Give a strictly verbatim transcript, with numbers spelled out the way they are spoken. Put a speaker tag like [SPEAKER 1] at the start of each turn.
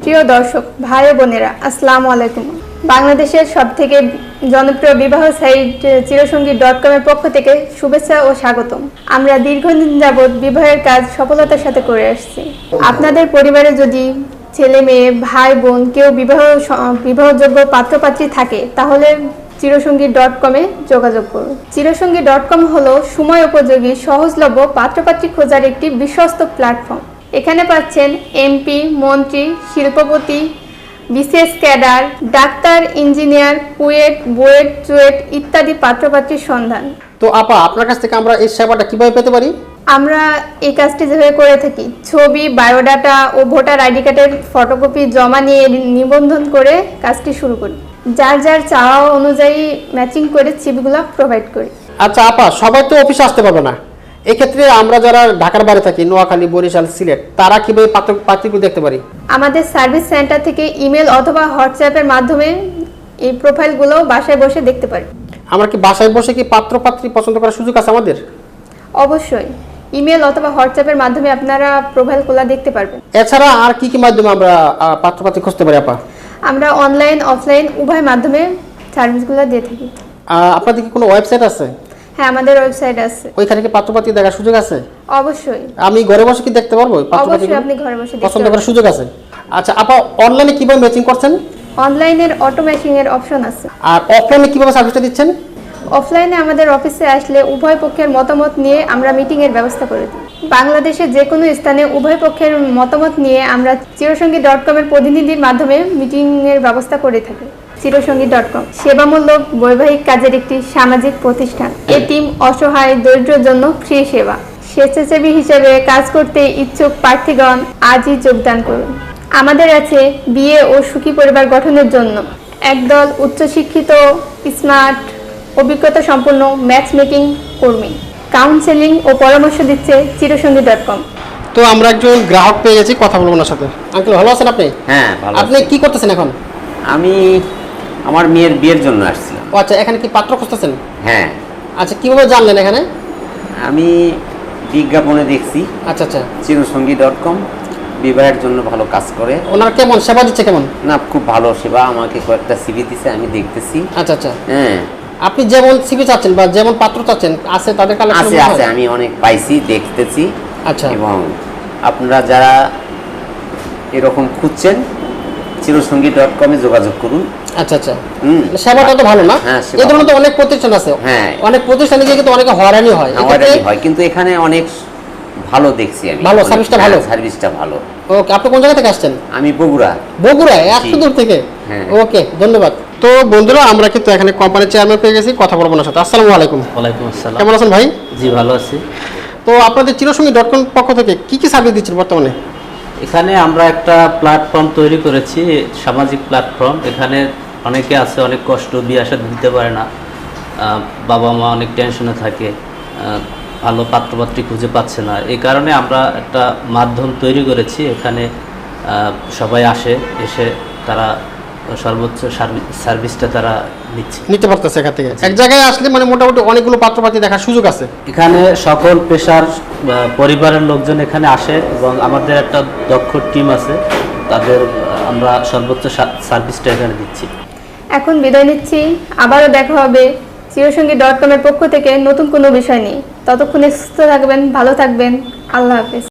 [SPEAKER 1] প্রিয় দর্শক ভাই ও বোনেরা, আসসালামু আলাইকুম। বাংলাদেশের সবথেকে জনপ্রিয় বিবাহ সাইট চিরসঙ্গী ডট কম এর পক্ষ থেকে শুভেচ্ছা ও স্বাগতম। আমরা দীর্ঘদিন যাবৎ বিবাহের কাজ সফলতার সাথে করে আসছি। আপনাদের পরিবারে যদি ছেলে মেয়ে ভাই বোন কেউ বিবাহ বিবাহযোগ্য পাত্রপাত্রী থাকে তাহলে চিরসঙ্গী ডট কমে যোগাযোগ করুন। চিরসঙ্গী ডট কম হলো সময় উপযোগী সহজলভ্য পাত্রপাত্রী খোঁজার একটি বিশ্বস্ত প্ল্যাটফর্ম। এখানে পাচ্ছেন এমপি, মন্ত্রী, শিল্পপতি, BCS cadre, doctor, engineer, KUET, BUET, CUET ইত্যাদি পাত্রপাত্রীর সন্ধান।
[SPEAKER 2] তো আপা, আপনার কাছ থেকে আমরা এই সেবাটা কিভাবে পেতে পারি?
[SPEAKER 1] আমরা এই কাজটি যেভাবে করে থাকি, ছবি, বায়োডাটা ও ভোটার আইডি কার্ডের ফটোকপি জমা নিয়ে নিবন্ধন করে কাজটি শুরু করি। যার যার চাওয়া অনুযায়ী ম্যাচিং করে সিভিগুলো প্রোভাইড করি।
[SPEAKER 2] আচ্ছা আপা, সবাই তো অফিসে আসতে পারবে না, এক্ষেত্রে আমরা যারা ঢাকার বাইরে থাকি, নোয়াখালী, বরিশাল, সিলেট, তারা কিভাবে পাত্র পাত্রীগুলো দেখতে পারি?
[SPEAKER 1] আমাদের সার্ভিস সেন্টার থেকে ইমেল অথবা হোয়াটসঅ্যাপের মাধ্যমে এই প্রোফাইলগুলো বাসায় বসে দেখতে পারি।
[SPEAKER 2] আমরা কি বাসায় বসে কি পাত্র পাত্রী পছন্দ করার সুযোগ আছে আমাদের?
[SPEAKER 1] অবশ্যই, ইমেল অথবা হোয়াটসঅ্যাপের মাধ্যমে আপনারা প্রোফাইলগুলো দেখতে পারবেন।
[SPEAKER 2] এছাড়া আর কি কি মাধ্যমে আমরা পাত্র পাত্রী খুঁজতে পারি আপা?
[SPEAKER 1] আমরা অনলাইন অফলাইন উভয় মাধ্যমে সার্ভিসগুলো দিয়ে থাকি।
[SPEAKER 2] আপনাদের কি কোনো ওয়েবসাইট আছে?
[SPEAKER 1] হ্যাঁ, আমাদের ওয়েবসাইট আছে।
[SPEAKER 2] ওইখানে কি পাত্র পাত্রী দেখার সুযোগ আছে?
[SPEAKER 1] অবশ্যই।
[SPEAKER 2] আমি ঘরে বসে কি দেখতে পারবো?
[SPEAKER 1] অবশ্যই, আপনি ঘরে বসে
[SPEAKER 2] পছন্দ করার সুযোগ আছে। আচ্ছা আপা, অনলাইনে কিভাবে ম্যাচিং করছেন?
[SPEAKER 1] অনলাইনের অটো ম্যাচিং এর অপশন আছে।
[SPEAKER 2] আর অফলাইনে কিভাবে সার্ভিসটা দিচ্ছেন?
[SPEAKER 1] অফলাইনে আমাদের অফিসে আসলে উভয় পক্ষের মতামত নিয়ে আমরা মিটিং এর ব্যবস্থা করে দিই। বাংলাদেশের যে কোনো স্থানে উভয় পক্ষের মতামত নিয়ে আমরা চিরসঙ্গী ডট কম এর প্রতিনিধির মাধ্যমে মিটিং এর ব্যবস্থা করে থাকি। চিরসঙ্গী ডট কম সেবামূলক বৈবাহিক কাজের একটি সামাজিক প্রতিষ্ঠান। এতিম, অসহায়, দরিদ্রের জন্য ফ্রি সেবা। স্বেচ্ছাসেবী হিসেবে কাজ করতে ইচ্ছুক প্রার্থীগণ আজই যোগদান করুন। আমাদের আছে বিয়ে ও সুখী পরিবার গঠনের জন্য একদল উচ্চশিক্ষিত, স্মার্ট, অভিজ্ঞতা সম্পন্ন ম্যাচ মেকিং কর্মী। কাউন্সেলিং ও পরামর্শ দিচ্ছে চিরসঙ্গী ডট কম।
[SPEAKER 2] তো আমরা একজন গ্রাহক পেয়ে গেছি, কথা বলবো ওনার সাথে। আঙ্কেল, ভালো আছেন আপনি?
[SPEAKER 3] হ্যাঁ, ভালো।
[SPEAKER 2] আপনি কি করতেছেন এখন?
[SPEAKER 3] আমি আমার মেয়ের বিয়ের জন্য আসছিলাম।
[SPEAKER 2] ও আচ্ছা, এখানে কি পাত্র খুঁজতেছেন?
[SPEAKER 3] হ্যাঁ।
[SPEAKER 2] আচ্ছা, কিভাবে জানলেন এখানে?
[SPEAKER 3] আমি বিজ্ঞাপনে দেখছি।
[SPEAKER 2] আচ্ছা আচ্ছা।
[SPEAKER 3] চিরসঙ্গী ডট কম বিবাহের জন্য ভালো কাজ করে।
[SPEAKER 2] ওনার কেমন সেবা দিচ্ছে? কেমন?
[SPEAKER 3] না, খুব ভালো সেবা। আমাকে কয়েকটা সিভি দিছে, আমি দেখতেছি।
[SPEAKER 2] আচ্ছা আচ্ছা।
[SPEAKER 3] হ্যাঁ।
[SPEAKER 2] আপনি যেমন সিভি চাচ্ছেন বা যেমন পাত্র চাচ্ছেন আছে তাদের কালেকশন
[SPEAKER 3] আছে আছে আমি অনেক পাইছি, দেখতেছি।
[SPEAKER 2] আচ্ছা।
[SPEAKER 3] এবং আপনারা যারা এরকম খুঁজছেন চিরসঙ্গী ডট কমে যোগাযোগ করুন।
[SPEAKER 2] আচ্ছা আচ্ছা।
[SPEAKER 3] হুম।
[SPEAKER 2] সেবাটা তো ভালো না?
[SPEAKER 3] হ্যাঁ,
[SPEAKER 2] এই ধরনের তো অনেক প্রতিষ্ঠান আছে।
[SPEAKER 3] হ্যাঁ।
[SPEAKER 2] অনেক প্রতিষ্ঠানে গিয়ে কিন্তু অনেকে হয়রানি হয়।
[SPEAKER 3] হয়রানি হয়, কিন্তু এখানে অনেক ভালো দেখছি আমি।
[SPEAKER 2] ভালো, সার্ভিসটা ভালো।
[SPEAKER 3] সার্ভিসটা ভালো।
[SPEAKER 2] ওকে, আপনি কোন জায়গা থেকে আসছেন?
[SPEAKER 3] আমি বগুড়া।
[SPEAKER 2] বগুড়া? এত দূর থেকে?
[SPEAKER 3] হ্যাঁ।
[SPEAKER 2] ওকে, ধন্যবাদ। তো বন্ধুরা, আমরা কিন্তু এখানে কোম্পানির চেয়ারম্যান পেয়ে গেছি, কথা বলবো ওনার সাথে। আসসালামু আলাইকুম।
[SPEAKER 4] ওয়ালাইকুম আসসালাম।
[SPEAKER 2] কেমন আছেন ভাই?
[SPEAKER 4] জি, ভালো আছি।
[SPEAKER 2] তো আপনাদের চিরসঙ্গী ডট কম পক্ষ থেকে কি কি সার্ভিস দিচ্ছেন বর্তমানে?
[SPEAKER 4] এখানে আমরা একটা প্ল্যাটফর্ম তৈরি করেছি, সামাজিক প্ল্যাটফর্ম। এখানে অনেকে আছে, অনেক কষ্ট, বিয়ে শাদী দিতে পারে না, বাবা মা অনেক টেনশনে থাকে, ভালো পাত্রপাত্রী খুঁজে পাচ্ছে না। এই কারণে আমরা একটা মাধ্যম তৈরি করেছি। এখানে সবাই আসে, এসে তারা সর্বোচ্চ সার্ভিসটা তারা নিচ্ছে,
[SPEAKER 2] নিতে পারতেছে এখান থেকে। এক জায়গায় আসলে মানে মোটামুটি অনেকগুলো পাত্রপাত্রী দেখার সুযোগ আছে।
[SPEAKER 4] এখানে সকল পেশার পরিবারের লোকজন এখানে আসে এবং আমাদের একটা দক্ষ টিম আছে, তাদের আমরা সর্বোচ্চ সার্ভিসটা এখানে দিচ্ছি।
[SPEAKER 1] এখন বিদায় নিচ্ছি, আবারও দেখা হবে চিরসঙ্গী ডট কম এর পক্ষ থেকে নতুন কোনো বিষয় নিয়ে। ততক্ষণে সুস্থ থাকবেন, ভালো থাকবেন। আল্লাহ হাফেজ।